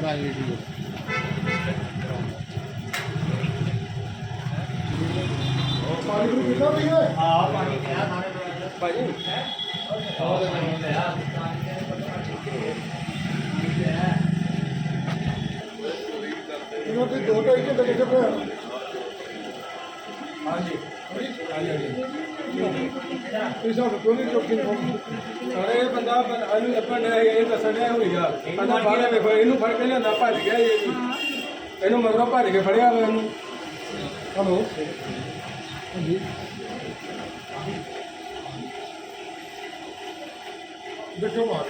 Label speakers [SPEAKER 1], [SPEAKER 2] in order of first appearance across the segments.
[SPEAKER 1] सारे बंदा ਲੱਭਣ ਡਿਆ ਇਹ ਦੱਸਣ ਡਿਆ ਹੋਈਗਾ ਬੰਦਾ ਬਾਹਰ ਵੇਖੋ ਇਹਨੂੰ ਫੜ ਕੇ ਲਿਆਂਦਾ ਭੱਜ ਗਿਆ ਇਹਨੂੰ ਮਗਰੋਂ ਭੱਜ ਕੇ ਫੜਿਆ ਵਾ ਇਹਨੂੰ ਹਲੋ ਹਾਂਜੀ ਦੇਖੋ ਮਾਰ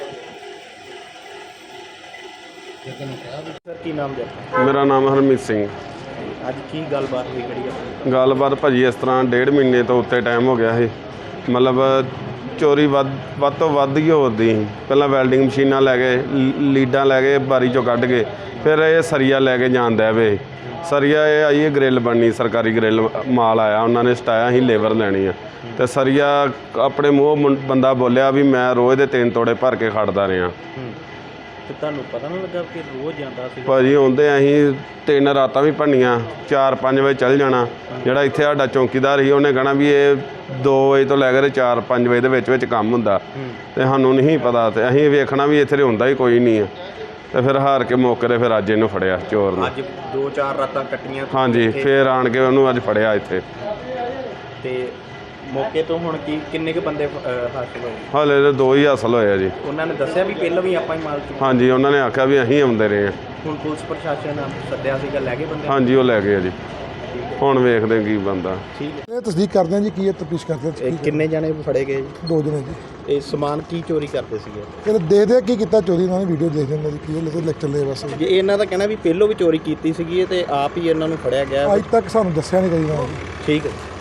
[SPEAKER 2] ਸਰ ਕੀ ਨਾਮ ਜੀ?
[SPEAKER 3] ਮੇਰਾ ਨਾਮ ਹਰਮੀਤ ਸਿੰਘ।
[SPEAKER 2] ਅੱਜ ਕੀ ਗੱਲਬਾਤ ਹੋਈ ਖੜੀ ਹੈ?
[SPEAKER 3] ਗੱਲਬਾਤ ਭਾਜੀ ਇਸ ਤਰ੍ਹਾਂ 1.5 ਮਹੀਨੇ ਤੋਂ ਉੱਤੇ ਟਾਈਮ ਹੋ ਗਿਆ ਸੀ। ਮਤਲਬ ਚੋਰੀ ਵੱਧ ਤੋਂ ਵੱਧ ਹੀ ਹੋਦੀ ਸੀ। ਪਹਿਲਾਂ ਵੈਲਡਿੰਗ ਮਸ਼ੀਨਾਂ ਲੈ ਗਏ, ਲੀਡਾਂ ਲੈ ਗਏ ਬਾਰੀ 'ਚੋਂ ਕੱਢ ਕੇ, ਫਿਰ ਇਹ ਸਰੀਆ ਲੈ ਕੇ ਜਾਂਦਾ ਵੇ। ਸਰੀਆ ਇਹ ਆਈ ਹੈ ਗਰਿੱਲ ਬਣਨੀ, ਸਰਕਾਰੀ ਗਰਿੱਲ ਮਾਲ ਆਇਆ, ਉਹਨਾਂ ਨੇ ਸਟਾਇਆ ਹੀ ਲੇਬਰ ਲੈਣੀ ਆ। ਅਤੇ ਸਰੀਆ ਆਪਣੇ ਮੂੰਹ ਬੰਦਾ ਬੋਲਿਆ ਵੀ ਮੈਂ ਰੋਜ਼ ਦੇ 3 ਤੋੜੇ ਭਰ ਕੇ ਖੜਦਾ ਰਿਹਾ।
[SPEAKER 2] ਤੇ ਤੁਹਾਨੂੰ ਪਤਾ ਨਹੀਂ ਲੱਗਾ ਕਿ ਰੋਜ਼ ਜਾਂਦਾ ਸੀ?
[SPEAKER 3] ਭਾਜੀ ਆਉਂਦੇ ਅਸੀਂ 3 ਰਾਤਾਂ ਵੀ ਭੰਨੀਆਂ, 4-5 ਵਜੇ ਚੱਲ ਜਾਣਾ। ਜਿਹੜਾ ਇੱਥੇ ਸਾਡਾ ਚੌਂਕੀਦਾਰ ਸੀ ਉਹਨੇ ਕਹਿਣਾ ਵੀ ਇਹ 2 ਵਜੇ ਤੋਂ ਲੈ ਕੇ 4-5 ਵਜੇ ਦੇ ਵਿੱਚ ਕੰਮ ਹੁੰਦਾ, ਅਤੇ ਸਾਨੂੰ ਨਹੀਂ ਪਤਾ। ਅਤੇ ਅਸੀਂ ਵੇਖਣਾ ਵੀ ਇੱਥੇ ਹੁੰਦਾ ਹੀ ਕੋਈ ਨਹੀਂ ਆ। ਅਤੇ ਫਿਰ ਹਾਰ ਕੇ ਮੌਕੇ 'ਤੇ ਫਿਰ ਅੱਜ ਇਹਨੂੰ ਫੜਿਆ ਚੋਰ ਨੂੰ।
[SPEAKER 2] ਅੱਜ 2-4 ਰਾਤਾਂ ਕੱਟੀਆਂ?
[SPEAKER 3] ਹਾਂਜੀ, ਫਿਰ ਆਣ ਕੇ ਉਹਨੂੰ ਅੱਜ ਫੜਿਆ ਇੱਥੇ।
[SPEAKER 2] ਤੇ ਮੌਕੇ ਤੋਂ ਹੁਣ ਕਿੰਨੇ ਕੁ ਬੰਦੇ ਹਾਸਲ ਹੋਏ?
[SPEAKER 3] ਹਾਲੇ ਤਾਂ 2 ਹੀ ਹਾਸਲ ਹੋਏ ਆ ਜੀ।
[SPEAKER 2] ਉਹਨਾਂ ਨੇ ਦੱਸਿਆ ਵੀ ਪਹਿਲਾਂ ਵੀ ਆਪਾਂ ਹੀ ਮਾਲ ਚੁੱਕਿਆ?
[SPEAKER 3] ਹਾਂਜੀ, ਉਹਨਾਂ ਨੇ ਆਖਿਆ ਵੀ ਅਸੀਂ ਆਉਂਦੇ ਰਹੇ ਹਾਂ।
[SPEAKER 2] ਹੁਣ ਪੁਲਿਸ ਪ੍ਰਸ਼ਾਸਨ ਸੱਦਿਆ ਸੀਗਾ, ਲੈ ਗਏ ਬੰਦੇ?
[SPEAKER 3] ਹਾਂਜੀ, ਉਹ ਲੈ ਗਏ ਆ ਜੀ। ਹੁਣ ਵੇਖਦੇ ਕੀ ਬਣਦਾ।
[SPEAKER 2] ਠੀਕ
[SPEAKER 4] ਇਹ ਤਸਦੀਕ ਕਰਦੇ ਹਾਂ ਜੀ, ਕੀ ਇਹ ਤਫਤੀਸ਼ ਕਰਦੇ ਹਾਂ।
[SPEAKER 2] ਕਿੰਨੇ ਜਣੇ ਫੜੇ ਗਏ ਜੀ?
[SPEAKER 4] 2 ਜਣੇ ਜੀ।
[SPEAKER 2] ਇਹ ਸਮਾਨ ਕੀ ਚੋਰੀ ਕਰਦੇ ਸੀਗੇ?
[SPEAKER 4] ਕਹਿੰਦੇ ਦੇ ਕੀ ਕੀਤਾ ਚੋਰੀ, ਇਹਨਾਂ ਨੇ ਵੀਡੀਓ ਦੇਖ ਲੈਂਦੇ ਜੀ, ਕੀ ਇਹ ਲੈਕਚਰ ਲਏ ਬਸ।
[SPEAKER 2] ਜੇ ਇਹਨਾਂ ਦਾ ਕਹਿਣਾ ਵੀ ਪਹਿਲੋਂ ਵੀ ਚੋਰੀ ਕੀਤੀ ਸੀਗੀ ਤੇ ਆਪ ਹੀ ਇਹਨਾਂ ਨੂੰ ਫੜਿਆ ਗਿਆ?
[SPEAKER 4] ਅੱਜ ਤੱਕ ਸਾਨੂੰ ਦੱਸਿਆ ਨਹੀਂ ਕਦੀ ਨਾ ਜੀ।
[SPEAKER 2] ਠੀਕ ਹੈ।